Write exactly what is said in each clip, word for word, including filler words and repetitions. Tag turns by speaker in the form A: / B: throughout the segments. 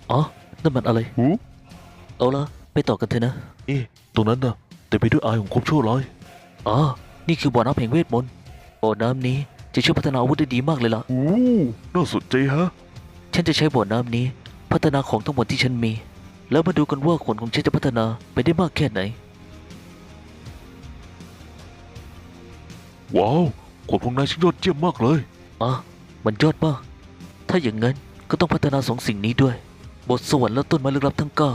A: อ๋อนั่นมันอะไร
B: หู
A: เอาละไปต่อกันเถอะนะ
B: เอ๊ะตรงนั้นนะแต่ไปด้วยอายของความชั่วร้าย
A: อ๋อนี่คือบ่อน้ำแห่งเวทมนต์บ่อน้ำนี้จะช่วยพัฒนาอาวุธได้ดีมากเลยล่ะ
B: โอ้น่าสนใจฮะ
A: ฉันจะใช้บ่อน้ำนี้ พัฒนาของทั้งหมดที่ฉันมี แล้วมาดูกันว่าขนของฉันจะพัฒนาไปได้มากแค่ไหน
B: ว้าวขนของนายช่างยอดเยี่ยมมากเลย
A: อ๋อมันยอดมาก ถ้าอย่างนั้นก็ต้องพัฒนาสองสิ่งนี้ด้วย บทสวรรค์และต้นไม้ลึกลับทั้งเก้า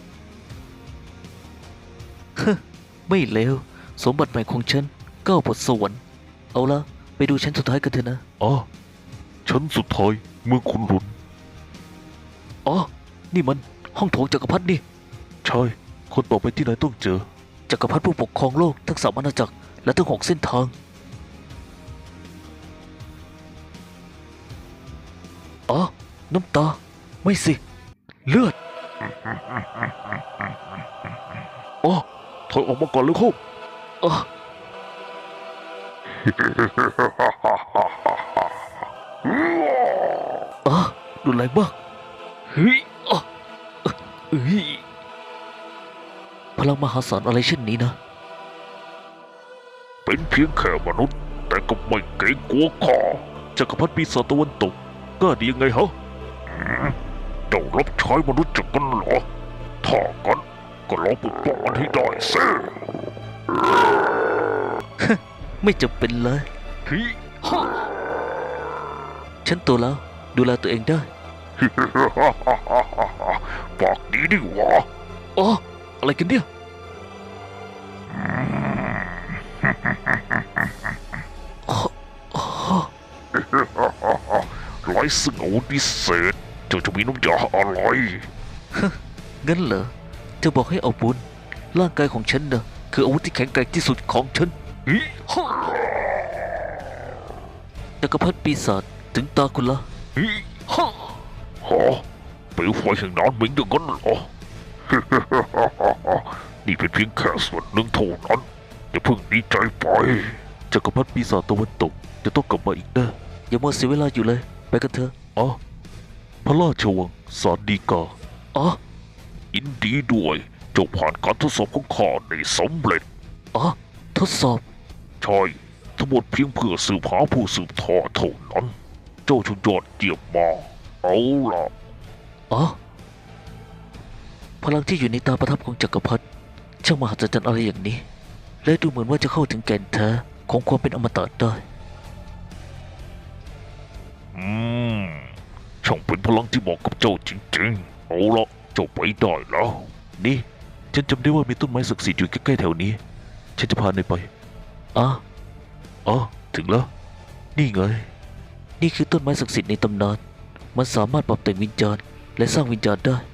A: ฮะไม่เลว สมบัติใหม่ของฉันเก้าบทสวรรค์ เอาละไปดูชั้นสุดท้ายกันเถอะนะ
B: อ๋อชั้นสุดท้ายเมืองขุนหลุน
A: อ๋อ นี่มันห้องโถงจักรพรรดินี่
B: ใช่คนต่อไปที่นายต้องเจอ
A: จักรพรรดิผู้ปกครองโลกทั้งสามอาณาจักรและทั้งหกเส้นทาง อ๋อ น้ำตา ไม่สิ เลือด
B: อ๋อถอยออกมาก่อนเลยครับ
A: อ๋อ อ๋อรุนแรงมากเฮ้ยอ๋อเอ้ยพลังมหาศาลอะไรเช่นนี้นะ
B: เป็นเพียงแค่มนุษย์ แต่ก็ไม่เกรงกลัวข้าจักรพรรดิปีศาจตะวันตกกล้าดียังไงฮะเจ้ารับใช้มนุษย์จากกันเหรอถ้ากันก็ลองปกป้องมันให้ได้สิ
A: ไม่จำเป็นเลย
B: เฮ้ย
A: ฉันโตแล้ว ดูแลตัวเองได้
B: ปากดีดีหว่า
A: อ๋อ อะไรกันเนี่ย อ๋ออ๋อ
B: ไร้ซึ่งอาวุธพิเศษเจ้าจะมีน้ำยาอะไร
A: งั้นเหรอ จะบอกให้เอาบุญ ร่างกายของฉันเนอะคืออาวุธที่แข็งแกร่งที่สุดของฉัน
B: เฮ้ย
A: จักรพรรดิปีศาจถึงตาคุณละ
B: เฮ้ยฮะเปลวไฟแห่งน้ำมิงอย่างนั้นเหรอ นี่เป็นเพียงแค่ส่วนหนึ่งเท่านั้นอย่าเพิ่งดีใจไปจักรพรรดิปีศาจตะวันตกจะต้องกลับมาอีกแน่
A: อย่ามัวเสียเวลาอยู่เลย ไปกันเถอะ
B: อ๋อพระราชวังสารดีกา
A: อ๋อ
B: ยินดีด้วยเจ้าผ่านการทดสอบของข้าได้สำเร็จ
A: อ๋อ ทดสอบ
B: ใช่ทั้งหมดเพียงเพื่อสืบหาผู้สืบทอดเท่านั้น เจ้าชุดยอดเยี่ยมมากเอาล่ะ
A: อ๋อ พลังที่อยู่ในตาประทับของจักรพรรดิช่างมหัศจรรย์อะไรอย่างนี้ และดูเหมือนว่าจะเข้าถึงแก่นแท้ของความเป็นอมตะได้
B: อืมช่างเป็นพลังที่เหมาะกับเจ้าจริงๆเอาละเจ้าไปได้แล้ว
A: นี่
B: ฉันจำได้ว่ามีต้นไม้ศักดิ์สิทธิ์อยู่ใกล้ๆแถวนี้ ฉันจะพานายไป
A: อ๋อ
B: อ๋อถึงแล้ว นี่ไง
A: นี่คือต้นไม้ศักดิ์สิทธิ์ในตำนาน มันสามารถปรับแต่งวิญญาณและสร้างวิญญาณได้